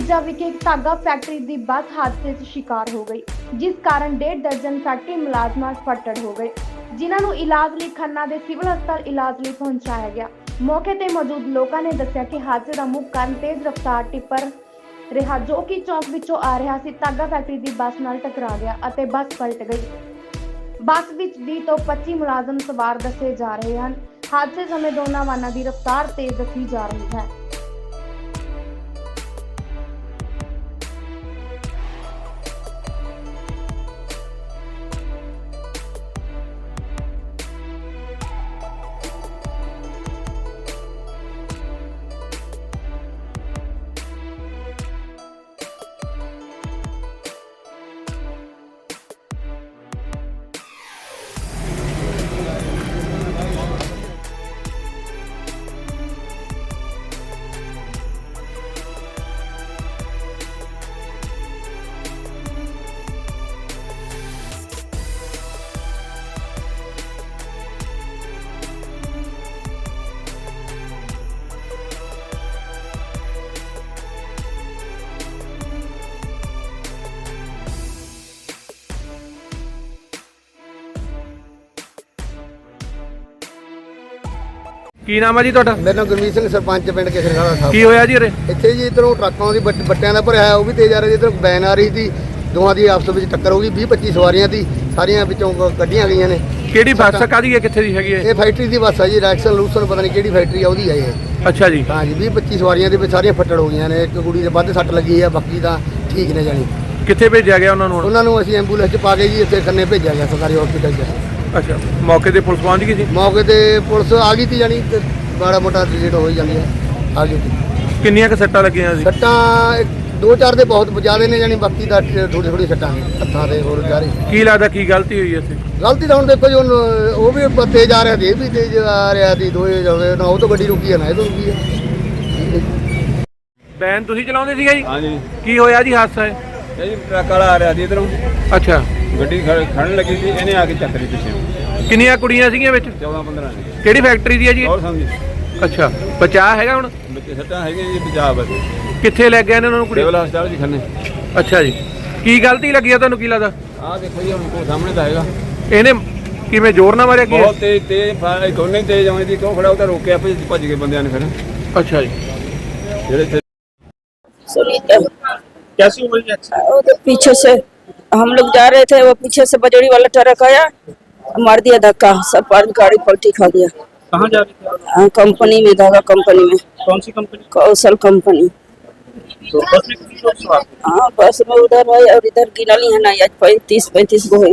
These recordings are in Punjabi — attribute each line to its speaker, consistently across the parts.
Speaker 1: ਊਰਜਾ ਵਿਖੇ ਇੱਕ ਧਾਗਾ ਫੈਕਟਰੀ ਦੀ ਬੱਸ ਹਾਦਸੇ 'ਚ ਸ਼ਿਕਾਰ ਹੋ ਗਈ, ਜਿਸ ਕਾਰਨ 1.5 ਦਰਜਨ ਫੈਕਟਰੀ ਮੁਲਾਜ਼ਮਾਂ ਫੱਟੜ ਹੋ ਗਏ, ਜਿਨ੍ਹਾਂ ਨੂੰ ਇਲਾਜ ਲਈ ਖੰਨਾ ਦੇ ਸਿਵਲ ਹਸਪਤਾਲ ਇਲਾਜ ਲਈ ਪਹੁੰਚਾਇਆ ਗਿਆ। ਮੌਕੇ ਤੇ ਮੌਜੂਦ ਲੋਕਾਂ ਨੇ ਦੱਸਿਆ ਕਿ ਹਾਦਸੇ ਦਾ ਮੁੱਖ ਕਾਰਨ ਤੇਜ਼ ਰਫ਼ਤਾਰ ਟਿੱਪਰ ਰਿਹਾ, ਜੋ ਕਿ ਚੌਕ ਵਿੱਚੋਂ ਆ ਰਿਹਾ ਸੀ। ਧਾਗਾ ਫੈਕਟਰੀ ਦੀ ਬੱਸ ਨਾਲ ਟਕਰਾ ਗਿਆ ਅਤੇ ਬੱਸ ਪਲਟ ਗਈ। ਬੱਸ ਵਿੱਚ 20 ਤੋਂ 25 ਮੁਲਾਜ਼ਮ ਸਵਾਰ ਦੱਸੇ ਜਾ ਰਹੇ ਹਨ। ਹਾਦਸੇ ਸਮੇਂ ਦੋਨਾਂ ਵਾਹਨਾਂ ਦੀ ਰਫ਼ਤਾਰ ਤੇਜ਼ ਦੱਸੀ ਜਾ ਰਹੀ ਹੈ।
Speaker 2: ਕੀ ਨਾਮ ਹੈ ਜੀ ਤੁਹਾਡਾ?
Speaker 3: ਮੇਰਾ ਨਾਮ ਗੁਰਮੀਤ ਸਿੰਘ, ਸਰਪੰਚ ਪਿੰਡ ਕੇਸਰਗੜ੍ਹ ਸਾਹਿਬ।
Speaker 2: ਕੀ ਹੋਇਆ ਜੀ ਉਰੇ?
Speaker 3: ਇੱਥੇ ਜੀ ਇੱਧਰੋਂ ਟਰੱਕਾਂ ਦੀ ਬੱਟਿਆਂ ਦਾ ਭਰਿਆ ਉਹ ਵੀ ਤੇਜ਼ ਆ ਰਿਹਾ ਜੀ। ਇੱਧਰੋਂ ਵੈਨ ਆ ਰਹੀ ਸੀ, ਦੋਵਾਂ ਦੀ ਆਪਸ ਵਿੱਚ ਟੱਕਰ ਹੋ ਗਈ। 20-25 ਸਵਾਰੀਆਂ ਦੀ, ਸਾਰੀਆਂ ਵਿੱਚੋਂ ਕੱਢੀਆਂ ਗਈਆਂ ਨੇ।
Speaker 2: ਕਿਹੜੀ ਬੱਸ ਕਾਹਦੀ ਹੈ, ਕਿੱਥੇ ਦੀ ਹੈਗੀ ਹੈ?
Speaker 3: ਇਹ ਫੈਕਟਰੀ ਦੀ ਬੱਸ ਆ ਜੀ, ਰੈਕਸਨ ਲੂਸਨ ਪਤਾ ਨਹੀਂ ਕਿਹੜੀ ਫੈਕਟਰੀ ਆ ਉਹਦੀ ਆ ਇਹ।
Speaker 2: ਅੱਛਾ ਜੀ।
Speaker 3: ਹਾਂ ਜੀ, 20-25 ਸਵਾਰੀਆਂ ਦੇ ਵਿੱਚ ਸਾਰੀਆਂ ਫੱਟੜ ਹੋ ਗਈਆਂ ਨੇ। ਇੱਕ ਕੁੜੀ ਦੇ ਵੱਧ ਸੱਟ ਲੱਗੀ ਆ, ਬਾਕੀ ਤਾਂ ਠੀਕ ਨੇ ਜਾਣੀ।
Speaker 2: ਕਿੱਥੇ ਭੇਜਿਆ ਗਿਆ ਉਹਨਾਂ ਨੂੰ?
Speaker 3: ਉਹਨਾਂ ਨੂੰ ਅਸੀਂ ਐਂਬੂਲੈਂਸ 'ਚ ਪਾ ਕੇ ਜੀ ਇੱਥੇ ਖੰਨੇ ਭੇਜਿਆ ਗਿਆ ਸਰਕਾਰੀ ਹਸਪੀਟਲ 'ਚ।
Speaker 2: ਅੱਛਾ, ਮੌਕੇ ਤੇ ਪੁਲਿਸ ਪਹੁੰਚ ਗਈ ਸੀ?
Speaker 3: ਮੌਕੇ ਤੇ ਪੁਲਿਸ ਆ ਗਈ ਸੀ ਜਾਣੀ, ਤੇ ਮਾੜਾ ਮੋਟਾ ਡਿਲੀਟ ਹੋ ਹੀ ਜਾਂਦੀ ਹੈ। ਆ ਗਈ ਸੀ।
Speaker 2: ਕਿੰਨੀਆਂ ਕੁ ਸੱਟਾਂ ਲੱਗੀਆਂ ਸੀ?
Speaker 3: ਸੱਟਾਂ 2-4 ਦੇ ਬਹੁਤ ਜ਼ਿਆਦਾ ਨੇ ਜਾਣੀ, ਬਾਕੀ ਦਾ ਥੋੜੀ ਸੱਟਾਂ ਨੇ ਹੱਥਾਂ ਦੇ ਹੋਰ ਜਾ ਰਹੀ।
Speaker 2: ਕੀ ਲੱਗਦਾ ਕੀ ਗਲਤੀ ਹੋਈ ਇੱਥੇ?
Speaker 3: ਗਲਤੀ ਤਾਂ ਹੁਣ ਦੇਖੋ ਜੀ, ਹੁਣ ਉਹ ਵੀ ਤੇਜ਼ ਆ ਰਿਹਾ ਸੀ, ਇਹ ਵੀ ਤੇਜ਼ ਆ ਰਿਹਾ ਸੀ। ਦੋਏ ਜਾਵੇ ਨਾ, ਉਹ ਤੋਂ ਗੱਡੀ ਰੁਕੀ ਹੈ ਨਾ ਇਹ ਤੋਂ ਰੁਕੀ ਹੈ।
Speaker 2: ਵੈਨ ਤੁਸੀਂ ਚਲਾਉਂਦੇ ਸੀਗਾ ਜੀ?
Speaker 4: ਹਾਂਜੀ।
Speaker 2: ਕੀ ਹੋਇਆ ਜੀ ਹਾਦਸਾ?
Speaker 4: ਇਹ ਜੀ ਟਰੱਕ ਵਾਲਾ ਆ ਰਿਹਾ ਸੀ ਇਧਰੋਂ,
Speaker 2: ਅੱਛਾ।
Speaker 4: ਗੱਡੀ ਖੜਨ ਲੱਗੀ ਸੀ, ਇਹਨੇ ਆ ਕੇ ਚੱਕ ਲਈ ਪਿੱਛੇ।
Speaker 2: ਕਿੰਨੀਆਂ ਕੁੜੀਆਂ ਸੀਗੀਆਂ ਵਿੱਚ?
Speaker 4: 14-15 ਨੇ।
Speaker 2: ਕਿਹੜੀ ਫੈਕਟਰੀ ਦੀ ਹੈ ਜੀ ਇਹ?
Speaker 4: ਹੋਰ ਸਮਝੀ
Speaker 2: ਅੱਛਾ, ਬਚਾਅ ਹੈਗਾ ਹੁਣ?
Speaker 4: ਬੱਚੇ ਸੱਟਾਂ ਹੈਗੀਆਂ ਜੀ, ਪੰਜਾਬ ਬਸ
Speaker 2: ਕਿੱਥੇ ਲੈ ਗਏ ਨੇ ਉਹਨਾਂ ਨੂੰ ਕੁੜੀ?
Speaker 4: ਸਿਵਲ ਹਸਪਤਾਲ ਜੀ ਖੰਨੇ।
Speaker 2: ਅੱਛਾ ਜੀ। ਕੀ ਗਲਤੀ ਲੱਗੀ ਆ ਤੁਹਾਨੂੰ, ਕੀ ਲੱਗਦਾ?
Speaker 4: ਆਹ ਦੇਖੋ ਜੀ, ਹੁਣ ਕੋ ਸਾਹਮਣੇ ਤਾਂ ਹੈਗਾ।
Speaker 2: ਇਹਨੇ ਕਿਵੇਂ ਜ਼ੋਰ ਨਾਲ ਮਾਰਿਆ ਕੀ?
Speaker 4: ਬਹੁਤ ਤੇਜ਼ ਕੋਨੇ ਤੇਜ਼ ਆਉਂਦੀ ਸੀ, ਕਿਉਂ ਖੜਾ ਉਹ ਤਾਂ ਰੋਕਿਆ, ਭੱਜ ਗਏ ਬੰਦਿਆਂ ਨੇ ਫਿਰ।
Speaker 2: ਅੱਛਾ ਜੀ।
Speaker 4: ਜਿਹੜੇ
Speaker 5: सुनीता
Speaker 2: कैसी हुई है?
Speaker 5: तो पीछे से हम लोग जा रहे थे, वो पीछे से बजड़ी वाला ट्रक आया, मार दिया धक्का, सब गाड़ी पलटी खा गया।
Speaker 2: कहाँ जा रही थी?
Speaker 5: कंपनी में, धागा कंपनी में।
Speaker 2: कौन सी कंपनी?
Speaker 5: कौशल कंपनी।
Speaker 2: तो बस में कितनी लोग सवार थे?
Speaker 5: हाँ, बस में उधर है और इधर गिनली है ना, आज 35 गो है।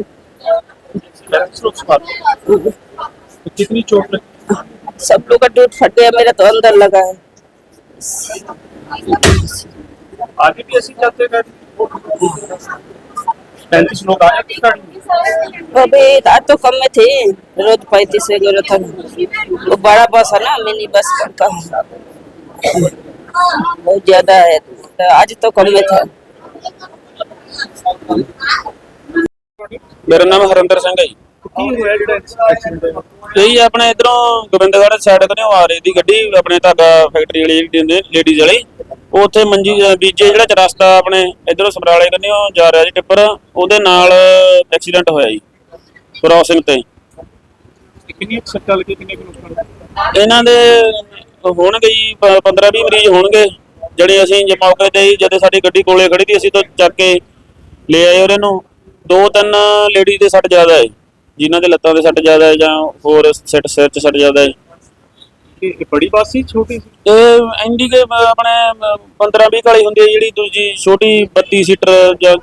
Speaker 2: 35 लोग सवार थे। तो कितनी चोट लगी?
Speaker 5: सब लोग का टूट फट गया, मेरा तो अंदर लगा है।
Speaker 2: आगे भी ऐसी जाते हैं? 35 लोग आए किस गाड़ी में?
Speaker 5: अबे आज तो कम में थे, रोज 35 वगैरह था। वो बड़ा बस है ना, मिनी बस का बहुत ज्यादा है, तो आज तो कम में था।
Speaker 6: ਮੇਰਾ ਨਾਮ ਹਰਿੰਦਰ ਸਿੰਘ ਹੈ ਜੀ।
Speaker 2: ਕੀ ਹੋਇਆ ਜਿਹੜਾ ਐਕਸੀਡੈਂਟ ਹੋਇਆ?
Speaker 6: ਇਹੀ ਆਪਣੇ ਇਧਰੋਂ ਗੋਬਿੰਦਗੜ੍ਹ ਸਾਈਡ ਤੋਂ ਆ ਰਹੀ ਦੀ ਗੱਡੀ, ਆਪਣੇ ਧਾਗਾ ਫੈਕਟਰੀ ਵਾਲੀ ਜਿਹੜੀ ਲੇਡੀਜ਼ ਵਾਲੀ, ਉੱਥੇ ਮੰਜੀ ਬੀਜੇ ਜਿਹੜਾ ਚ ਰਸਤਾ ਆਪਣੇ ਇਧਰੋਂ ਸਮਰਾਲੇ ਕੰਨਿਓ ਜਾ ਰਿਹਾ ਜੀ ਟਿੱਪਰ, ਉਹਦੇ ਨਾਲ ਐਕਸੀਡੈਂਟ ਹੋਇਆ ਜੀ ਕ੍ਰਾਸਿੰਗ ਤੇ।
Speaker 2: ਕਿੰਨੀ ਸੱਟਾਂ ਲੱਗੀ, ਕਿੰਨੇ ਕੁ ਨੁਕਸਾਨ?
Speaker 6: ਇਹਨਾਂ ਦੇ ਹੋਣਗੇ ਜੀ 15-20 ਮਰੀਜ਼ ਹੋਣਗੇ, ਜਿਹੜੇ ਅਸੀਂ ਜੇ ਮੌਕੇ ਤੇ ਜਦੋਂ ਸਾਡੀ ਗੱਡੀ ਕੋਲੇ ਖੜੀ ਸੀ, ਅਸੀਂ ਤਾਂ ਚੱਕ ਕੇ ਲੈ ਆਏ ਉਹਨਾਂ ਨੂੰ। 2-3 ਲੇਡੀਜ਼ ਦੇ ਸੱਟ ਜ਼ਿਆਦਾ ਹੈ, ਜਿਨ੍ਹਾਂ ਦੇ ਲੱਤਾਂ ਦੇ ਸੱਟ ਜ਼ਿਆਦਾ ਹੈ ਜਾਂ ਹੋਰ ਸਿਰ 'ਚ ਸੱਟ ਜ਼ਿਆਦਾ ਹੈ।
Speaker 2: ਇਹ ਬੜੀ ਬੱਸ ਸੀ ਛੋਟੀ ਸੀ?
Speaker 6: ਇਹ ਇੰਡੀਕੇ ਆਪਣੇ 15-20 ਵਾਲੀ ਹੁੰਦੀ ਹੈ, ਜਿਹੜੀ ਦੂਜੀ ਛੋਟੀ 32 ਸੀਟਰ ਜਾਂ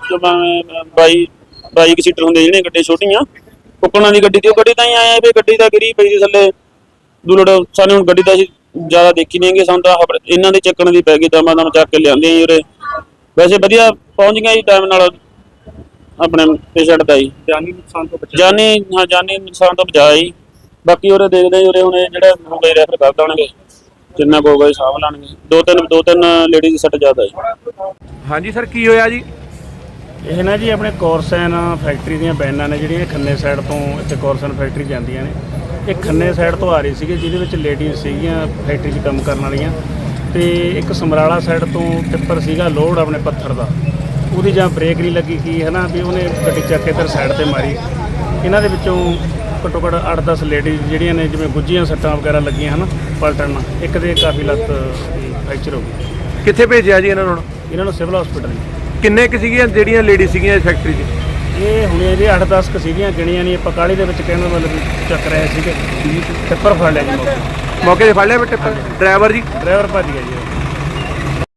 Speaker 6: 22 ਸੀਟਰ ਹੁੰਦੇ ਜਿਹੜੀਆਂ ਗੱਡੀਆਂ ਛੋਟੀਆਂ ਕੁੱਕਣਾ ਦੀ ਗੱਡੀ। ਤੇ ਉਹ ਗੱਡੀ ਤਾਂ ਹੀ ਆਇਆ ਵੀ ਗੱਡੀ ਤਾਂ ਗਿਰੀ ਪਈ ਸੀ ਥੱਲੇ ਦੁਲੜ। ਸਾਨੂੰ ਹੁਣ ਗੱਡੀ ਤਾਂ ਅਸੀਂ ਜ਼ਿਆਦਾ ਦੇਖੀ ਨਹੀਂ ਹੈਗੀ, ਸਾਨੂੰ ਤਾਂ ਇਹਨਾਂ ਦੇ ਚੱਕਣ ਦੀ ਪੈ ਗਈ, ਦਮਾਂ ਦਮ ਚੱਕ ਕੇ ਲਿਆਂਦੇ ਜੀ ਉਰੇ। ਵੈਸੇ ਵਧੀਆ ਪਹੁੰਚ ਗਈਆਂ ਜੀ ਟਾਈਮ ਨਾਲ ਆਪਣੇ ਪੇਸ਼ੈਂਟ ਦਾ ਜੀ।
Speaker 2: ਜਾਨੀ ਨੁਕਸਾਨ ਤੋਂ ਬਚਾ?
Speaker 6: ਜਾਨੀ ਨੁਕਸਾਨ ਤੋਂ ਬਚਾਇਆ ਜੀ। ਬਾਕੀ ਉਰੇ ਦੇਖਦੇ ਉਰੇ ਹੁਣ ਜਿਹੜਾ ਹੋ ਗਏ ਰੈਫਰ ਕਰ ਦੇਣਗੇ, ਜਿੰਨਾ ਕੋ ਗਏ ਸਾਂਭ ਲੈਣਗੇ। ਦੋ ਤਿੰਨ ਲੇਡੀਜ਼ ਦੀ ਸੱਟ ਜ਼ਿਆਦਾ ਜੀ।
Speaker 2: ਹਾਂਜੀ ਸਰ, ਕੀ ਹੋਇਆ ਜੀ?
Speaker 7: ਇਹ ਨਾ ਜੀ ਆਪਣੇ ਕੋਰਸਨ ਫੈਕਟਰੀ ਦੀਆਂ ਵੈਨਾਂ ਨੇ ਜਿਹੜੀਆਂ ਖੰਨੇ ਸਾਈਡ ਤੋਂ ਇੱਥੇ ਕੋਰਸਨ ਫੈਕਟਰੀ ਜਾਂਦੀਆਂ ਨੇ। ਇਹ ਖੰਨੇ ਸਾਈਡ ਤੋਂ ਆ ਰਹੀ ਸੀਗੀ, ਜਿਹਦੇ ਵਿੱਚ ਲੇਡੀਜ਼ ਸੀਗੀਆਂ ਫੈਕਟਰੀ 'ਚ ਕੰਮ ਕਰਨ ਵਾਲੀਆਂ। ਤੇ ਇੱਕ ਸਮਰਾਲਾ ਸਾਈਡ ਤੋਂ ਟਿੱਪਰ ਸੀਗਾ ਲੋਡ ਆਪਣੇ ਪੱਥਰ ਦਾ, ਉਹਦੀ ਜਾਂ ਬ੍ਰੇਕ ਨਹੀਂ ਲੱਗੀ ਕੀ ਹੈ ਨਾ ਵੀ ਉਹਨੇ ਗੱਡੀ ਚੱਕ ਕੇ ਇੱਧਰ ਸਾਈਡ ਤੇ ਮਾਰੀ। ਇਹਨਾਂ ਦੇ ਵਿੱਚੋਂ ਘੱਟੋ ਘੱਟ 8-10 ਲੇਡੀਜ਼ ਜਿਹੜੀਆਂ ਨੇ ਜਿਵੇਂ ਗੁੱਝੀਆਂ ਸੱਟਾਂ ਵਗੈਰਾ ਲੱਗੀਆਂ ਹਨ ਪਲਟਣ ਨਾਲ, ਇੱਕ ਦੇ ਕਾਫੀ ਲੱਤ ਫ੍ਰੈਕਚਰ ਹੋ ਗਈ।
Speaker 2: ਕਿੱਥੇ ਭੇਜਿਆ ਜੀ ਇਹਨਾਂ ਨੂੰ ਹੁਣ?
Speaker 7: ਇਹਨਾਂ ਨੂੰ ਸਿਵਲ ਹਸਪੀਟਲ
Speaker 2: ਕਿੰਨੇ ਕੁ ਸੀਗੀਆਂ ਜਿਹੜੀਆਂ ਲੇਡੀ ਸੀਗੀਆਂ ਇਸ ਫੈਕਟਰੀ 'ਚ?
Speaker 7: ਇਹ ਹੁਣੇ ਜੀ 8-10 ਕੁ ਸੀਗੀਆਂ, ਗਿਣੀਆਂ ਨਹੀਂ ਆਪਾਂ ਕਾਹਲੀ ਦੇ ਵਿੱਚ ਕਹਿਣ ਦਾ ਮਤਲਬ ਵੀ ਚੱਕ ਰਹੇ ਸੀਗੇ। ਟਿੱਪਰ ਫੜ ਲਿਆ ਜੀ ਮੌਕੇ
Speaker 2: ਮੌਕੇ ਤੇ ਫੜ ਲਿਆ ਬੇਟੇ ਡਰਾਈਵਰ ਜੀ?
Speaker 7: ਡਰਾਈਵਰ ਭੱਜ ਗਿਆ ਜੀ ਉਹ।